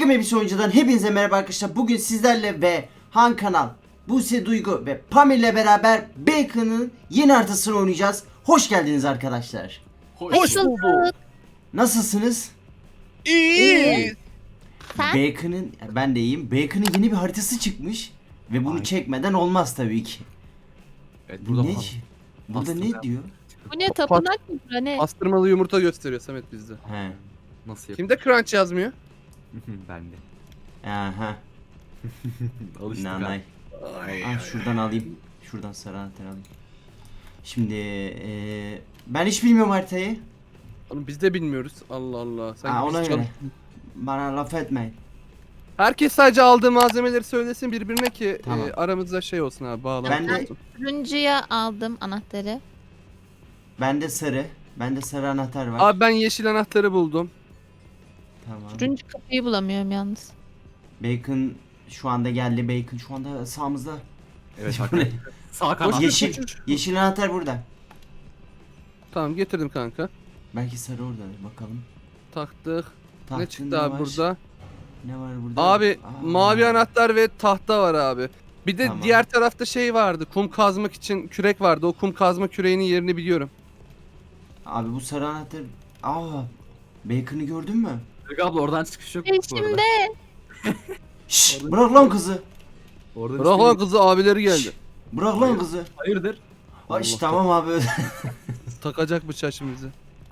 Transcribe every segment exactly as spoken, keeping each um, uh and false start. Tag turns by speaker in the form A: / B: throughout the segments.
A: Takım Elbise Oyuncu'dan hepinize merhaba arkadaşlar. Bugün sizlerle ve Han Kanal, Buse Duygu ve Pamir ile beraber Bacon'ın yeni haritasını oynayacağız. Hoş geldiniz arkadaşlar.
B: Hoş bulduk.
A: Nasılsınız?
B: İyi.
C: Sen?
A: Bacon'ın, ben de iyiyim. Bacon'ın yeni bir haritası çıkmış. Ve bunu
B: Aynen.
A: çekmeden olmaz tabii ki.
B: Evet,
A: Bu
B: burada
A: ne?
B: pas-
A: Burada
B: pastırma
A: ne
B: yap-
A: diyor?
C: Bu ne, tapınak mı bura ne?
D: Pastırmalı yumurta gösteriyor Samet bizde.
A: He.
B: Nasıl yap?
D: Kimde crunch yazmıyor?
B: Ben de.
A: Aha.
B: Alıştık
A: Nanay.
B: abi.
A: Ah, şuradan alayım. Şuradan sarı anahtarı alayım. Şimdi eee, ben hiç bilmiyorum haritayı.
D: Oğlum biz de bilmiyoruz. Allah Allah. Sanki
A: Ha,
D: biz
A: ona
D: çalış-
A: göre. Bana laf etmeyin.
D: Herkes sadece aldığı malzemeleri söylesin birbirine ki
A: Tamam.
D: e, aramızda şey olsun abi bağlantı
A: Ben de-
D: olsun.
C: Turuncuya aldım anahtarı.
A: Bende sarı. Bende sarı anahtar var.
D: Abi ben yeşil anahtarı buldum.
A: Tamam.
C: Turuncu kapıyı bulamıyorum yalnız.
A: Bacon şu anda geldi. Bacon şu anda sağımızda.
B: Evet
A: Bu ne?
B: hakikaten. Sağ kanat.
A: Yeşil. Yeşil anahtar burada.
D: Tamam getirdim kanka.
A: Belki sarı orada. Bakalım.
D: Taktık.
A: Tahtın
D: ne çıktı abi
A: var?
D: burada?
A: Ne var burada?
D: Abi
A: Aa.
D: mavi anahtar ve tahta var abi. Bir de
A: Tamam.
D: diğer tarafta şey vardı. Kum kazmak için kürek vardı. O kum kazma küreğinin yerini biliyorum.
A: Abi bu sarı anahtar. Aa. Bacon'ı gördün mü?
B: Duygu abla oradan çıkış yok bu arada.
C: Peşimde.
A: Şşş, bırak lan kızı.
B: Oradan
D: Bırak
B: işte-
D: lan kızı abileri geldi.
A: Bırak lan kızı.
B: Hayırdır?
A: Ay şş,
D: Allah
A: tamam abi.
D: Takacak bıçağı şimdi bize.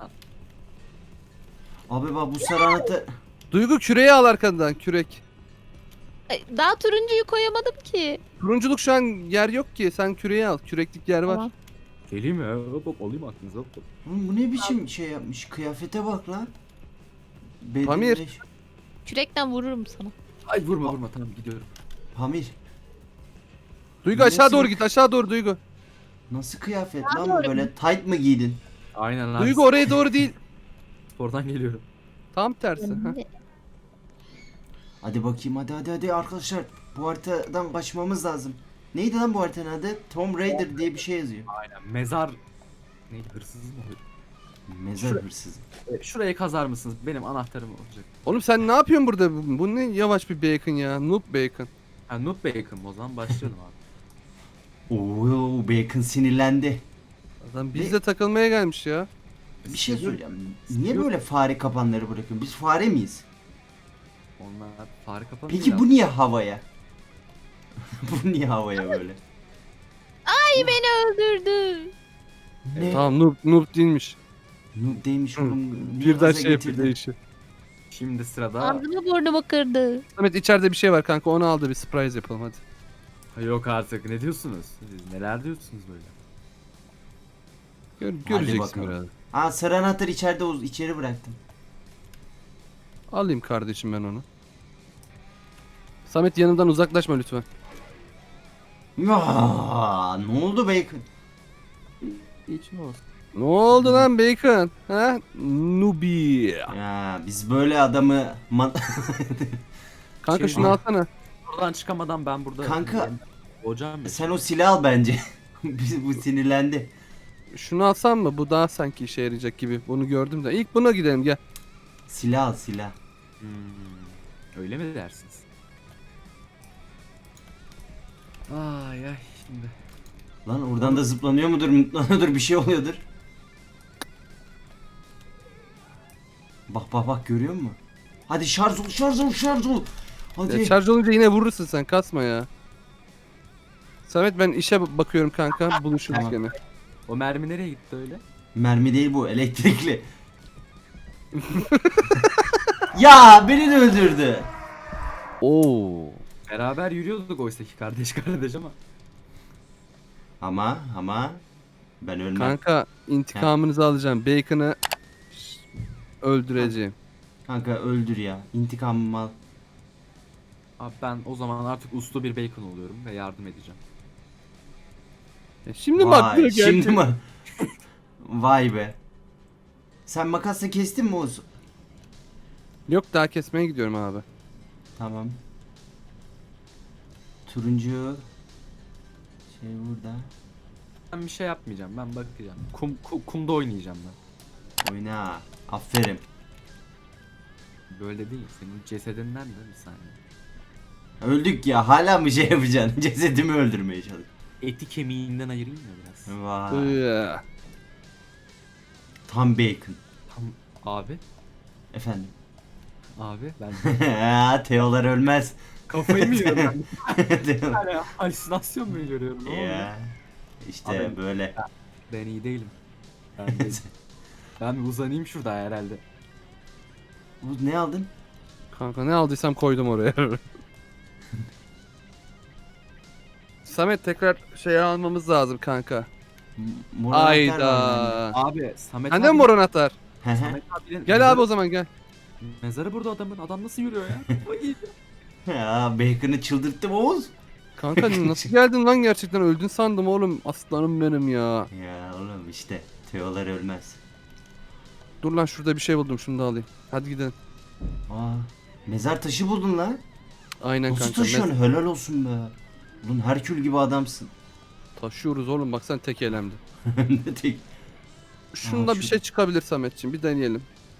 A: Abi bak bu sarı anahtar.
D: Duygu küreği al arkandan kürek.
C: Ay, daha turuncuyu koyamadım ki.
D: Turunculuk şu an yer yok ki. Sen küreği al. Küreklik yer var.
C: Tamam.
B: Geleyim mi? Hop hop alayım aklınıza hop hop.
A: Oğlum bu ne biçim şey yapmış? Kıyafete bak lan. Bedeninde-
D: Pamir.
C: Kürekten vururum sana.
B: Ay vurma vurma tamam gidiyorum.
A: Pamir.
D: Duygu
A: Nasıl
D: aşağı doğru
A: bir-
D: git. Aşağı doğru Duygu.
A: Nasıl kıyafet
C: Ne
A: lan bu,
C: yapıyorum?
A: böyle tight mı giydin?
B: Aynen abi.
D: Duygu oraya doğru değil.
B: Spordan geliyorum.
D: Tam tersi. ha.
C: Önümde.
A: Hadi bakayım, hadi hadi hadi arkadaşlar. Bu haritadan kaçmamız lazım. Neydi lan bu haritanın adı? Tomb Raider diye bir şey yazıyor.
B: Aynen. Mezar... Neydi hırsız mı oluyor?
A: Mezar
B: Şura-
A: hırsızı.
B: E, Şurayı kazar mısınız? Benim anahtarım olacak.
D: Oğlum sen ne yapıyorsun burada? Bu, bu ne yavaş bir bacon ya. Noob bacon.
B: Ha Noob Bacon o zaman başlayalım abi.
A: Oo, Bacon sinirlendi.
D: Adam bizle takılmaya gelmiş ya.
A: Bir şey söyleyeceğim. Niye böyle fare kapanları bırakıyorsun? Biz fare miyiz?
B: Onlar fare kapanıyor.
A: Peki bu niye havaya? Bu niye havaya böyle?
C: Ay beni öldürdü.
A: Ne?
D: Tamam noob, noob değilmiş.
A: Noob değilmiş
D: Hı,
A: oğlum. Niye
D: Birden
A: gaza
D: şey yapıyor
A: getirdin?
D: değişiyor.
B: Şimdi sırada...
C: Ağzımı burnumu kırdı.
D: Samet içeride bir şey var kanka onu al da bir surprise yapalım hadi.
B: Ay, yok artık ne diyorsunuz? Siz neler diyorsunuz böyle?
D: Gör,
A: Hadi
D: göreceksin
A: bakalım.
D: biraz.
A: Aa, sarı anahtarı içeride, uz- içeri bıraktım.
D: Alayım kardeşim ben onu. Samet yanından uzaklaşma lütfen.
A: Ya, ne oldu Bacon?
B: İçin olsun.
D: Ne oldu lan bacon? Ha? Nubi.
A: Ya biz böyle adamı man-
D: Kanka
A: Şey-
D: şunu alsana.
B: Oradan çıkamadan ben burada...
A: Kanka-
B: Hocam ya.
A: sen o silah al bence. Biz bu sinirlendi.
D: Şunu alsam mı? Bu daha sanki işe yarayacak gibi. Bunu gördüm de. İlk buna gidelim gel.
A: Silah al, silah.
B: Hmm, öyle mi dersiniz? Ay ay şimdi.
A: Lan oradan da zıplanıyor mudur, mutlanıyordur, bir şey oluyordur. Bak bak bak, görüyor musun? Hadi şarj ol, şarj ol, şarj ol. Hadi.
D: Ya şarj olunca yine vurursun sen. Kasma ya. Samet ben işe bakıyorum kanka. Buluşuruz
A: Tamam.
D: gene.
B: O mermi nereye gitti öyle?
A: Mermi değil bu, elektrikli. Ya beni de öldürdü.
D: Oo.
B: Beraber yürüyorduk oysa ki kardeş kardeş ama.
A: Ama ama ben ölmem.
D: Kanka intikamınızı alacağım. Bacon'ı öldüreceğim.
A: Kanka öldür ya. İntikamımı al.
B: Abi ben o zaman artık uslu bir bacon oluyorum ve yardım edeceğim.
D: Ya şimdi bak
A: Vay,
D: geldi.
A: şimdi mi? Vay be. Sen makasla kestin mi Oğuz?
D: Yok daha kesmeye gidiyorum abi.
A: Tamam. Turuncu şey burada.
B: Ben bir şey yapmayacağım ben bakacağım. Kum, ku- kumda oynayacağım ben.
A: Oyna. Aferin.
B: Böyle değil. Senin cesedinden de bir saniye.
A: Öldük ya, hala mı şey yapacaksın? Cesedimi öldürmeye çalış.
B: Eti kemiğinden ayırayım ya biraz.
A: Vay.
D: Iıı.
A: Tam bacon.
B: Tam abi.
A: Efendim.
B: Abi ben
A: Ha, Teolar ölmez.
B: kafayı mı yiyorum ben?
A: Teolar-
B: Yani halüsinasyon mu görüyorum? Ne oluyor?
A: ya. İşte
B: Abi-
A: böyle.
B: Ben iyi değilim. Ben, değilim. Ben bir uzanayım şurada herhalde.
A: Bu ne aldın?
D: Kanka ne aldıysam koydum oraya. Samet tekrar şey almamız lazım kanka.
A: M- mor anahtar var
D: Ayda.
B: Abi Samet
D: Sende mi mor anahtar?
A: bende.
B: Samet abinin
D: Gel abi o zaman gel.
B: Mezarı burada adamın. Adam nasıl yürüyor ya? Ay.
A: Ya bacon'ı çıldırttım Oğuz.
D: Kanka nasıl geldin lan gerçekten öldün sandım oğlum. Aslanım benim ya.
A: Ya oğlum işte Teolar ölmez.
D: Dur lan şurada bir şey buldum şunu da alayım. Hadi gidelim.
A: Aa, mezar taşı buldun lan.
D: Aynen
A: Nasıl
D: kanka.
A: taşıyorsun? Helal olsun be. Ulan Herkül gibi adamsın.
D: Mes- taşıyoruz oğlum bak sen tek elemde.
A: Ne tek.
D: Şunda
A: Aa,
D: bir
A: şu-
D: şey çıkabilir Sametciğim bir deneyelim.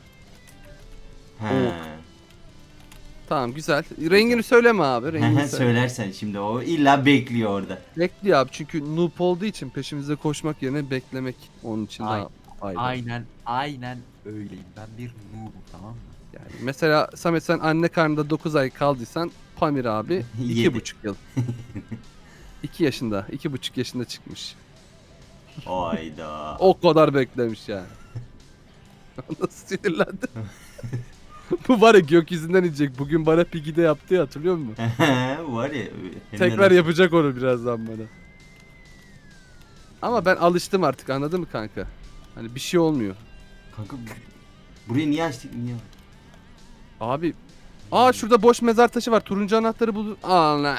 A: He.
D: Tamam güzel. Rengini söyleme abi. Rengini söyle.
A: Söylersen şimdi o illa bekliyor orada.
D: Bekliyor abi çünkü noob olduğu için peşimize koşmak yerine beklemek onun için
B: Ay-
D: daha faydalı.
B: Aynen, aynen öyleyim. Ben bir noob'um, tamam mı?
D: Yani mesela Samet sen anne karnında dokuz ay kaldıysan Pamir abi
A: Yedi.
D: iki buçuk yıl. iki yaşında, iki buçuk yaşında çıkmış.
A: Hayda.
D: O kadar beklemiş yani. Nasıl sinirlendi? Bu var ya gökyüzünden inecek. Bugün bana Piggy'de yaptı ya hatırlıyor musun?
A: Var ya.
D: Tekrar yapacak onu birazdan bana. Ama ben alıştım artık anladın mı kanka? Hani bir şey olmuyor.
A: Kanka bu- burayı niye açtık niye?
D: Abi aa şurada boş mezar taşı var. Turuncu anahtarı bul. Allah.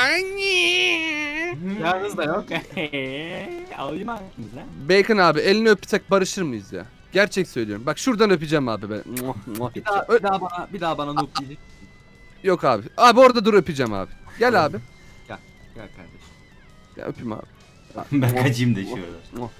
B: Yalnız da yok. Alayım aklınıza.
D: Bacon abi elini öpsek barışır mıyız ya? Gerçek söylüyorum. Bak şuradan öpeceğim abi ben. Muah, muah.
B: Bir daha, bir daha bana, bir daha bana noob diyecek.
D: Yok abi. Abi orada dur öpeceğim abi. Gel abi.
B: Gel kardeşim.
D: Ya öpeyim abi.
A: Ben kaçayım da şuradan.
D: Muah.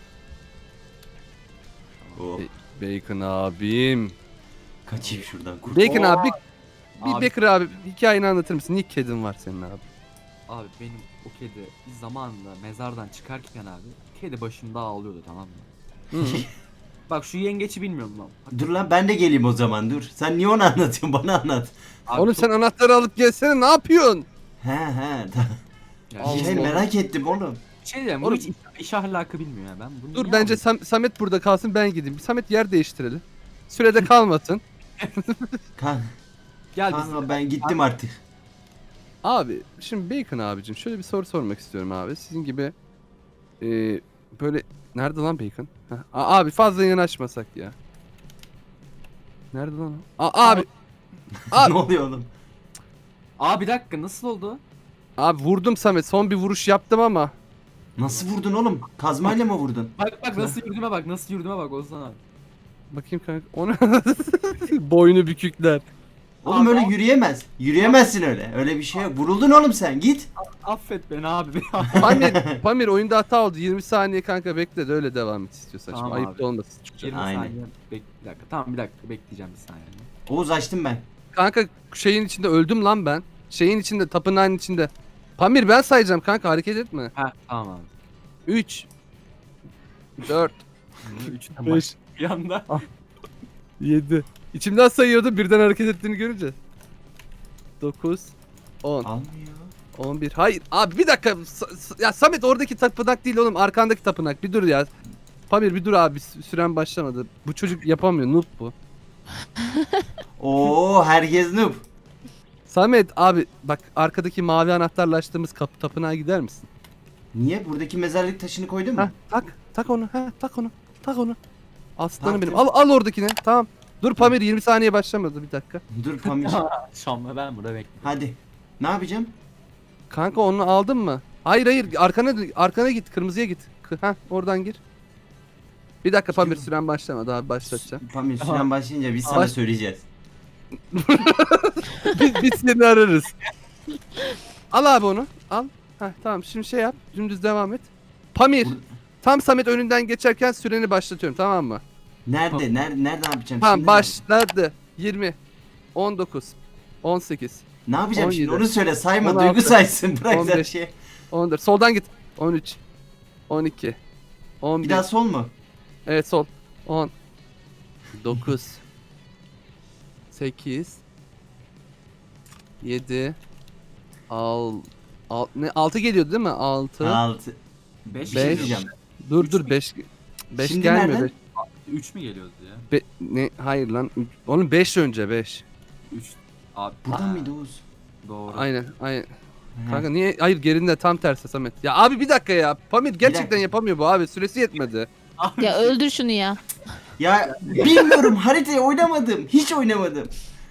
A: Oh,
D: Bacon abim.
A: kaçayım şuradan. Kurt.
D: Bacon
B: Oo.
D: abi bir, bir
B: Abi.
D: Baker abi hikayeni anlatır mısın? Niye kedin var senin abi?
B: Abi benim o kedi bir zamanında mezardan çıkarken abi kedi başımda ağlıyordu, tamam mı?
D: Hı.
B: Bak şu yengeçi bilmiyorum lan. Bak,
A: Dur lan ben de geleyim o zaman dur. Sen niye onu anlatıyorsun bana anlat.
B: abi
D: Oğlum
B: çok-
D: sen anahtarı alıp gelsene ne yapıyorsun?
A: He he. ta-
B: Ya
D: Allah
A: Şey
B: şey,
D: Allah.
A: merak ettim oğlum.
B: şey diyeceğim, bu
D: Oğlum-
B: hiç iş, iş ahlakı bilmiyor ya, ben bunu
D: Dur
B: niye
D: bence
B: alayım?
D: Sam- Samet burada kalsın ben gideyim. Samet yer değiştirelim. Sürede kalmasın.
A: Kan,
B: Gel biz.
A: kanka ben gittim artık.
D: Abi şimdi Bacon abicim şöyle bir soru sormak istiyorum abi. Sizin gibi e, böyle nerede lan Bacon? Heh, a- abi fazla yanaşmasak ya. Nerede lan o? A- abi Abi-
A: ne oluyor oğlum?
B: Aa bir dakika, nasıl oldu?
D: abi vurdum Samet. Son bir vuruş yaptım ama.
A: Nasıl vurdun oğlum? Kazmayla mı vurdun?
B: Bak bak nasıl yürüdüğüme bak, nasıl yürüdüğüme bak Ozan abi.
D: Bakayım kanka. Onu boynu bükükler.
A: Oğlum
B: Abi,
A: öyle
B: abi.
A: yürüyemez. Yürüyemezsin öyle. Öyle bir şey yok. Vuruldun oğlum sen git.
B: Affet beni abi.
D: Pamir, Pamir oyunda hata oldu. yirmi saniye kanka bekle de öyle devam et istiyorsan. Şimdi
B: Tamam
D: ayıp
B: abi.
D: da olmasın çıkacak.
B: yirmi
A: Aynen.
B: saniye bek bir dakika. Tamam bir dakika bekleyeceğim bir saniye.
A: Oğuz açtım ben.
D: Kanka şeyin içinde öldüm lan ben. Şeyin içinde tapınağın içinde. Pamir ben sayacağım kanka hareket etme.
B: Ha tamam abi.
D: üç dört
B: Üçten
D: beş
B: baş bir anda.
D: yedi İçimden sayıyordum birden hareket ettiğini görünce. dokuz on
A: Almıyor.
D: on bir Hayır abi bir dakika. Sa- sa- ya Samet oradaki tapınak değil oğlum arkandaki tapınak. Bir dur ya. Pamir bir dur abi sü- süren başlamadı. Bu çocuk yapamıyor noob bu.
A: Oo herkes noob.
D: Samet abi bak arkadaki mavi anahtarla açtığımız kapı tapınağa gider misin?
A: Niye? Buradaki mezarlık taşını koydun mu?
D: Ha tak tak onu ha tak onu tak onu. Aslanım
A: Taktım.
D: benim al al oradakini tamam. Dur Pamir yirmi saniye başlamadı bir dakika.
A: Dur Pamir.
B: Şamla ben burada bekliyorum.
A: Hadi. Ne yapacağım?
D: Kanka onu aldın mı? Hayır hayır arkana arkana git kırmızıya git. Ha oradan gir. Bir dakika Pamir
A: Gidiyorum.
D: süren başlamadı abi başlatacağım.
A: Pamir süren başlayınca biz sana
D: Baş-
A: söyleyeceğiz.
D: biz, biz seni ararız. Al abi onu al. Ha tamam şimdi şey yap dümdüz devam et. Pamir
A: Bur-
D: tam Samet önünden geçerken süreni başlatıyorum tamam mı?
A: Nerede? Nerede? Nereden yapacağım
D: Tamam
A: şimdi?
D: başladı. yirmi on dokuz, on sekiz,
A: Ne yapacağım şimdi?
D: on yedi,
A: Onu söyle, sayma.
D: on altı,
A: Duygu saysın. Bırak
D: on
A: sen
D: beş,
A: şey.
D: on dört. Soldan git. on üç, on iki, on
A: Bir
D: bir.
A: daha sol mu?
D: Evet sol. on, dokuz, sekiz, yedi, al, al, ne, altı geliyordu değil mi? altı,
A: Altı.
B: beş
A: Bir şey
D: Beş.
A: diyeceğim.
D: dur dur beş, beş
A: Şimdi
D: gelmiyor.
A: nereden?
D: beş.
B: üç mü geliyordu ya?
D: Be- ne, hayır lan. Onun beş önce beş.
B: üç. Abi.
A: Buradan
B: Aa,
A: mıydı Oğuz?
B: Doğru.
D: Aynen, aynen.
A: He.
D: Kanka niye? Hayır gerinde tam tersi Samet. Ya abi bir dakika ya. Pamir gerçekten
A: dakika.
D: yapamıyor bu abi. Süresi yetmedi.
B: Abi,
C: Ya öldür şunu ya.
A: Ya bilmiyorum, haritayı oynamadım. Hiç oynamadım.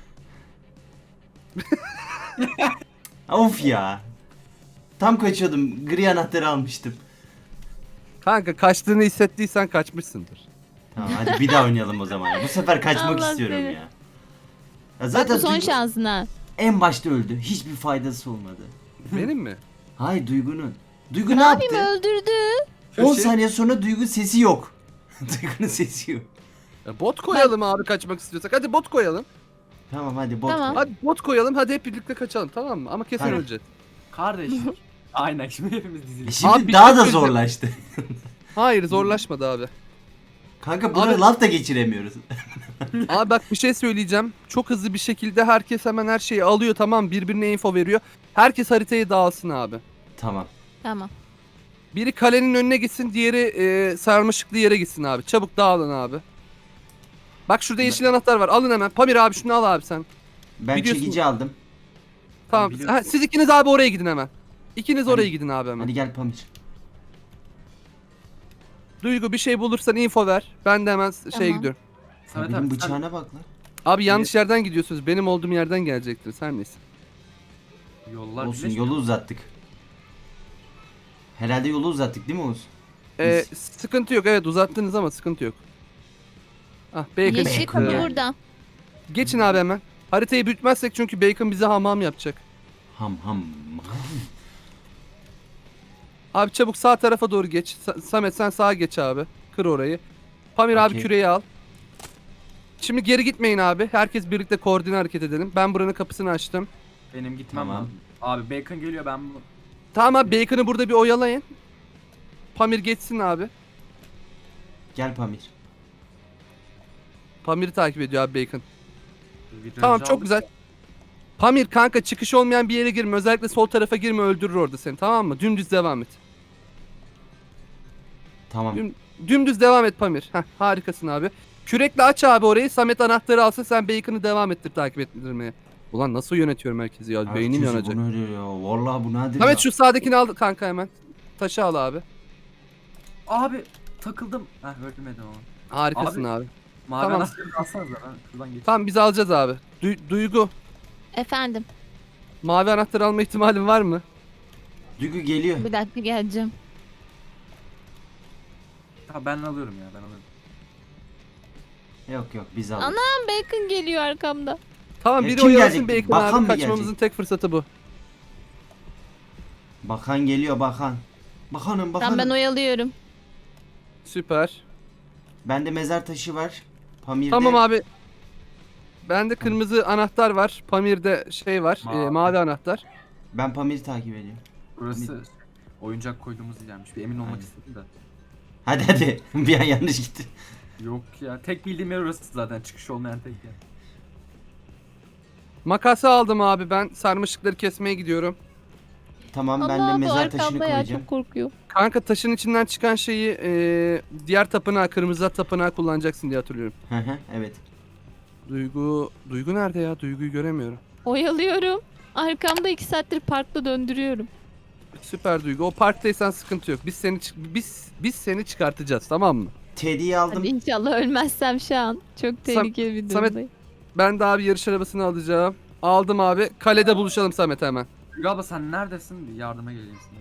A: Of ya. Tam kaçıyordum. Gri anahtarı almıştım.
D: Kanka kaçtığını hissettiysen kaçmışsındır.
A: Tamam hadi bir daha oynayalım o zaman. Bu sefer kaçmak
C: Allah
A: istiyorum
C: seni.
A: ya. Ya
C: Bak
A: zaten
C: bu son
A: Duygu
C: şansın ha.
A: en başta öldü. Hiçbir faydası olmadı.
D: Benim mi?
A: Hayır, Duygu'nun. Duygu ne
C: Ne yapayım,
A: yaptı?
C: öldürdü.
A: on
D: Köşe-
A: saniye sonra Duygu sesi yok. Duygu'nun sesi yok.
D: Ya bot koyalım abi kaçmak istiyorsak. Hadi bot koyalım.
A: Tamam hadi bot
C: Tamam.
A: koy.
D: Hadi bot koyalım. Hadi hep birlikte kaçalım tamam mı? Ama kesin
A: Aynen.
D: öleceğiz.
B: Kardeşlik. Aynen şimdi hepimiz
A: E
B: dizildik.
A: Şimdi
D: Abi bir
A: daha
D: şey
A: da
D: söyleyeceğim.
A: zorlaştı.
D: Hayır zorlaşmadı abi.
A: Kanka buna
D: Abi-
A: laf da geçiremiyoruz.
D: Abi bak bir şey söyleyeceğim. Çok hızlı bir şekilde herkes hemen her şeyi alıyor tamam birbirine info veriyor. Herkes haritayı dağılsın abi.
A: Tamam.
C: Tamam.
D: Biri kalenin önüne gitsin, diğeri e, sarmaşıklı yere gitsin abi. Çabuk dağılın abi. Bak şurada yeşil anahtar var. Alın hemen. Pamir abi şunu al abi sen.
A: Ben
D: Biliyorsun-
A: çekici aldım.
D: Tamam.
B: biliyorum.
D: Ha, siz ikiniz abi oraya gidin hemen. İkiniz
A: Hadi.
D: oraya gidin abi hemen.
A: Hadi gel Pamir.
D: Duygu bir şey bulursan info ver. Ben de hemen şeye
C: Tamam.
D: gidiyorum.
B: Samet
A: Benim
B: abi sen
A: bıçağına bak lan.
D: Abi yanlış yerden gidiyorsunuz. Benim olduğum yerden gelecektiniz. Her neyse.
B: yollar
A: Olsun,
B: birleşmiyor.
A: yolu uzattık. Herhalde yolu uzattık değil mi Oğuz?
D: Ee,
A: Biz-
D: sıkıntı yok. Evet uzattınız ama sıkıntı yok. Ah Bacon
C: Yeşil
A: Bacon
C: kapı
A: yani.
C: burada.
D: Geçin abi hemen. Haritayı büyütmezsek çünkü Bacon bize hamam yapacak.
A: Ham ham.
D: Abi çabuk sağ tarafa doğru geç. Sa- Samet sen sağa geç abi. Kır orayı. Pamir abi
A: Okey.
D: küreği al. Şimdi geri gitmeyin abi. Herkes birlikte koordine hareket edelim. Ben buranın kapısını açtım.
B: Benim gitmem
A: Tamam.
B: lazım. Abi Bacon geliyor ben bu.
D: Tamam abi Bacon'ı burada bir oyalayın. Pamir geçsin abi.
A: Gel Pamir.
D: Pamir'i takip ediyor abi Bacon.
B: virajı
D: Tamam çok
B: aldık.
D: güzel. Pamir kanka çıkış olmayan bir yere girme. Özellikle sol tarafa girme öldürür orada seni tamam mı? Dümdüz devam et.
A: Tamam.
D: Düm- Dümdüz devam et Pamir. Heh, harikasın abi. Kürekle aç abi orayı. Samet anahtarı alsın sen Bacon'ı devam ettir takip ettirmeye. Ulan nasıl yönetiyorum herkesi ya? Beynim
A: Herkesi
D: yanacak.
A: bunu öyle ya. Vallahi bu nedir
D: Samet
A: ya?
D: şu sağdakini al kanka hemen. Taşı al abi.
B: Abi takıldım. Heh ölmedim ama.
D: Harikasın abi.
B: Mavi
D: Tamam.
B: anahtarı alsanıza ben şuradan geçeyim.
D: Tamam biz alacağız abi. Du- Duygu.
C: Efendim.
D: Mavi anahtar alma ihtimalin var mı?
A: Duygu geliyor.
C: Bir dakika geleceğim.
B: Ha, ben alıyorum ya ben alıyorum.
A: Yok yok biz aldık.
C: Ana! Bacon geliyor arkamda.
D: Tamam
A: E,
D: biri
A: kim
D: oyalasın
A: gelecek?
D: Bacon
A: Bakan
D: abi.
A: mı
D: Kaçmamızın
A: gelecek?
D: tek fırsatı bu.
A: Bakan geliyor bakan. Bakanım bakanım.
C: Tamam ben oyalıyorum.
D: Süper.
A: Bende mezar taşı var. Pamir'de.
D: Tamam abi. Bende kırmızı anahtar var. Pamir'de şey var.
B: Mavi.
D: e, mavi anahtar.
A: Ben Pamir'i takip ediyorum.
B: Burası oyuncak koyduğumuz yermiş. Bir emin olmak
A: Aynen.
B: istedim de.
A: Hadi hadi. Bir an yanlış gitti.
B: Yok ya tek bildiğim yer orası zaten çıkış olmayan tek yer.
D: Makası aldım abi ben. Sarmaşıkları kesmeye gidiyorum.
A: Tamam ben de
C: Allah bu
A: mezar taşını
C: arkamda ya
A: koyacağım.
C: çok korkuyor.
D: Kanka taşın içinden çıkan şeyi e, diğer tapınağa, kırmızı tapınağa kullanacaksın diye hatırlıyorum.
A: Hı hı evet.
D: Duygu, Duygu nerede ya? Duyguyu göremiyorum.
C: Oyalıyorum. Arkamda iki saattir parkta döndürüyorum.
D: Süper Duygu. O parktaysan sıkıntı yok. Biz seni çık- biz biz seni çıkartacağız tamam mı?
A: Teddy'yi aldım.
C: Hadi inşallah ölmezsem şu an. Çok tehlikeli bir
D: Samet-
C: durumdayım.
D: Ben de abi yarış arabasını alacağım. Aldım abi. Kalede buluşalım Samet hemen.
B: Galiba sen neredesin? Bir yardıma geleyim sana.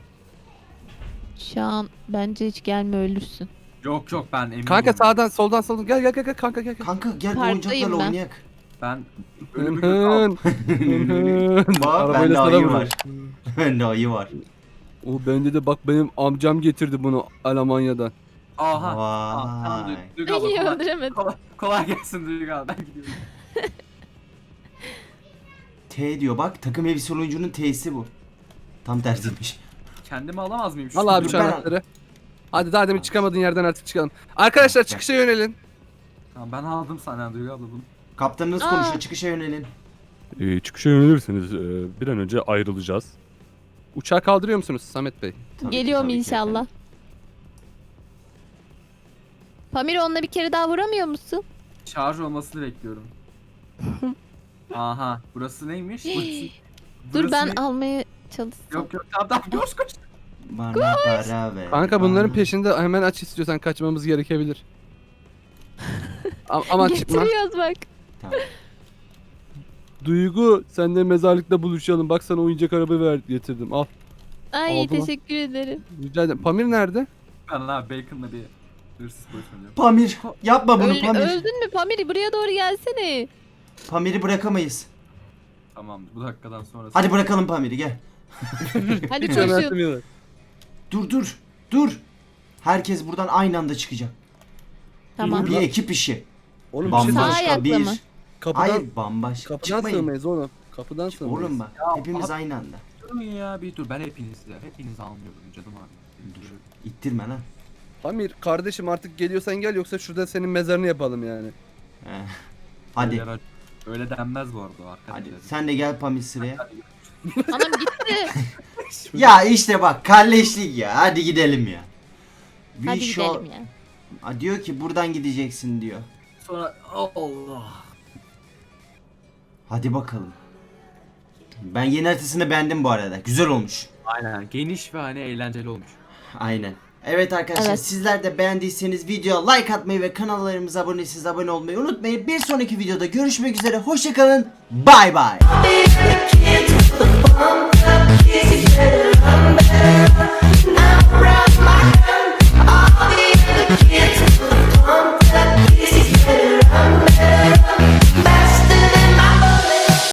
C: Şu an bence hiç gelme ölürsün.
B: Yok yok ben eminim.
D: Kanka sağdan soldan soldan gel gel gel gel kanka gel gel.
A: Kanka gel bu
C: Parktayım
A: oyuncaklarla
C: ben.
A: oynayak.
B: Ben
D: Hın
B: ölümü göz aldım.
D: hın. Hın hın.
A: Bak
D: Arabayla
A: bende
D: sana
A: ayı
D: vuruyor.
A: var. Bende ayı var.
D: O bende de bak benim amcam getirdi bunu Almanya'dan.
B: Aha. Aa, tamam,
A: Vay.
B: Duygu abla,
C: Ay
B: kolay,
C: öldüremedim.
B: kolay, kolay gelsin Duygu abla ben gidiyorum.
A: T diyor bak. Takım elbise oyuncunun T'si bu. Tam tersiymiş.
B: Kendimi alamaz mıyım?
D: Al abi
A: Dur,
D: şu
A: ben-
D: anahtarı. Hadi daha demin çıkamadığın yerden artık çıkalım. Arkadaşlar
A: Gel.
D: çıkışa yönelin.
B: Tamam, ben aldım sana Duygu abla bunu.
A: Kaptanınız
C: Aa.
A: konuşuyor. Çıkışa yönelin.
E: Ee, çıkışa yönelirseniz e, bir an önce ayrılacağız.
D: Uçağı kaldırıyor musunuz Samet Bey?
A: Tabii ki,
C: Geliyorum
A: tabii ki
C: inşallah.
A: efendim.
C: Pamir onunla bir kere daha vuramıyor musun?
B: Şarj olmasını bekliyorum. Aha, burası neymiş? Burası,
C: Dur
B: burası
C: ben
B: ne?
C: almaya çalışsam.
B: Yok yok, tamam tamam, koş koş.
A: Bana para ver.
D: Kanka bunların
A: bana.
D: peşinde hemen aç istiyorsan kaçmamız gerekebilir. A- Aman çıkma.
C: Getiriyoruz bak.
A: Tamam.
E: Duygu senle mezarlıkta buluşalım. Bak sana oyuncak araba ver getirdim. Al.
C: Ay
D: Oldu mu?
C: teşekkür ederim.
D: Rica ederim. Pamir nerede?
B: Ben abi Bacon'la bir hırsız boyutlanıyorum.
A: Pamir yapma bunu
C: Öl-
A: Pamir.
C: öldün mü Pamir? Buraya doğru gelsene.
A: Pamir'i bırakamayız.
B: Tamam, bu dakikadan sonrası.
A: Hadi bırakalım Pamir'i gel.
C: Hadi
D: Hiç
C: koşun.
D: önemsemiyorlar.
A: Dur dur dur. Herkes buradan aynı anda çıkacak.
C: Tamam.
A: Bu bir ekip işi.
D: Oğlum bir şey
C: Sağ
A: Bambaşka
C: ayakla
A: bir.
C: mı?
D: kapıdan,
A: Hayır bambaşka.
D: kapıdan
A: Çıkmayın.
D: sığmayız oğlum. Kapıdan sığmayız.
A: Oğlum bak
B: Ya,
A: hepimiz
B: abi-
A: aynı anda.
B: Durun ya, bir dur, ben hepinizi hepinizi almıyorum canım abi. Dur.
A: İttirme lan.
D: Pamir kardeşim artık geliyorsan gel yoksa şurada senin mezarını yapalım yani.
A: He. Hadi.
B: Öyle, öyle denmez bu arada arkadaşlar.
A: Hadi sen de gel Pamir sıraya.
C: Anam gitti.
A: Ya işte bak kalleşlik ya. Hadi gidelim ya. We
C: Hadi
A: shall-
C: gidelim ya.
A: Aa, diyor ki buradan gideceksin diyor.
B: Sonra Allah.
A: Hadi bakalım. Ben yeni haritasını beğendim bu arada. Güzel olmuş.
B: Aynen, geniş ve hani eğlenceli olmuş.
A: Aynen. Evet arkadaşlar
C: Evet.
A: sizler de beğendiyseniz videoya like atmayı ve kanallarımıza abone değilseniz abone olmayı unutmayın. Bir sonraki videoda görüşmek üzere. Hoşçakalın. Bay bay.